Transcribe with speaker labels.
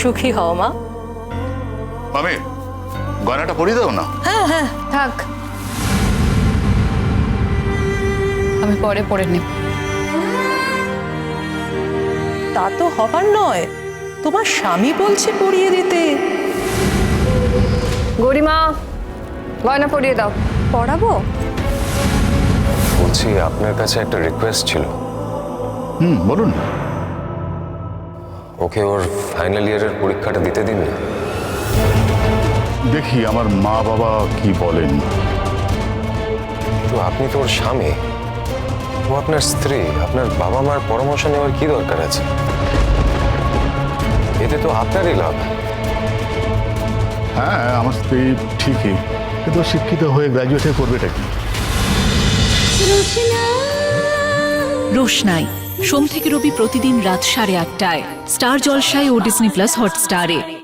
Speaker 1: সুখী হও মা।
Speaker 2: মামি গয়নাটা পরিয়ে দাও না।
Speaker 1: হ্যাঁ হ্যাঁ থাক, আমি পরে পরে নেব।
Speaker 3: তা তো হবার নয়, তোমার স্বামী বলছে পরিয়ে দিতে।
Speaker 1: গরিমা গয়না পরিয়ে দাও। পরাবো?
Speaker 4: বলছি আপনার কাছে একটা রিকোয়েস্ট ছিল।
Speaker 2: বলুন।
Speaker 4: ওকে ওর ফাইনাল ইয়ারের পরীক্ষাটা দিতে দিন না।
Speaker 2: দেখি আমার মা বাবা কি বলেন।
Speaker 4: তো আপনি তো ওর স্বামী, ও আপনার স্ত্রী, আপনার বাবা মার পরামর্শ নেওয়ার কি দরকার আছে? এতে তো আপনারই লাভ।
Speaker 2: হ্যাঁ আমার স্ত্রী ঠিকই, কিন্তু ও শিক্ষিত হয়ে গ্র্যাজুয়েট করবেটা কি?
Speaker 5: রোশনাই সোম থেকে রবি প্রতিদিন রাত 8:30টায় স্টার জলসায় ও ডিজনি প্লাস হটস্টারে।